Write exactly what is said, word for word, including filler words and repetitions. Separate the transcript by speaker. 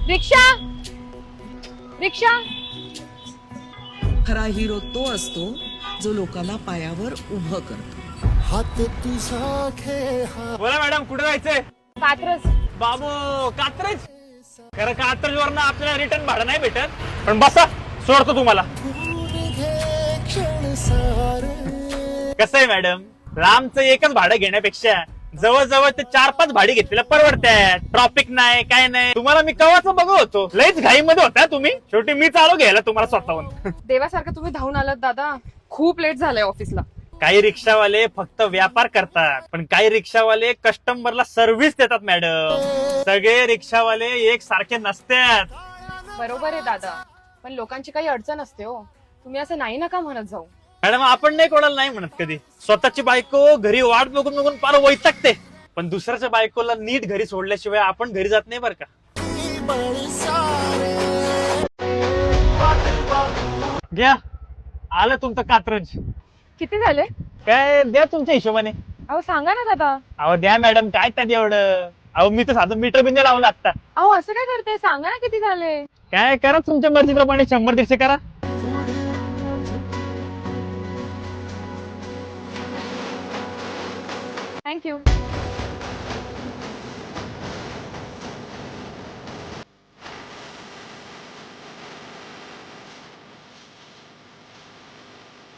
Speaker 1: रिक्षा रिक्षा
Speaker 2: खरा हिरो तो असतो जो लोकांना पायावर उभं करतो.
Speaker 3: हात तुझा खेळ हा
Speaker 4: बोला मॅडम, कुठे जायचंय?
Speaker 1: कात्रज.
Speaker 4: बाबू, कात्रज. खरं कात्रज वरनं आपल्याला रिटर्न भाडं नाही भेटत, पण बसा, सोडतो तुम्हाला.
Speaker 3: गुण घे क्षण सारे.
Speaker 4: कसं आहे मॅडम, लांबचं एकच भाडं घेण्यापेक्षा जवळजवळ ते चार पाच भाडी घेतलेलं परवडतात. ट्रॉफिक नाही, काय नाही. तुम्हाला मी कवाच बघू होतो, लईच घाईमध्ये होता तुम्ही. शेवटी मी चालू घ्यायला तुम्हाला स्वतःहून.
Speaker 1: देवासारखं तुम्ही धावून आलात दादा. खूप लेट झालंय ऑफिसला.
Speaker 4: काही रिक्षावाले फक्त व्यापार करतात, पण काही रिक्षावाले कस्टमरला सर्व्हिस देतात मॅडम. सगळे रिक्षावाले एक सारखे नसतात.
Speaker 1: बरोबर आहे दादा, पण लोकांची काही अडचण असते हो. तुम्ही असं नाही नका म्हणत जाऊ.
Speaker 4: मॅडम, आपण नाही कोणाला नाही म्हणत कधी. स्वतःची बायको घरी वाट बघून बघून फार वैतागते, पण दुसऱ्याच्या बायकोला नीट घरी सोडल्याशिवाय आपण घरी जात नाही बरं का.
Speaker 3: बळ सारे.
Speaker 4: घ्या, आलं तुमचं कात्रज.
Speaker 1: किती झाले?
Speaker 4: काय द्या तुमच्या हिशोबाने.
Speaker 1: अहो सांगा ना दादा.
Speaker 4: अहो द्या मॅडम, काय त्यात एवढं. अहो मी तर साधं मीटर बिंदे लावलं आता.
Speaker 1: अहो असं काय करते, सांगा ना किती झाले.
Speaker 4: काय करा तुमच्या मर्जीप्रमाणे, शंभर दीडशे करा.
Speaker 1: थँक्यू.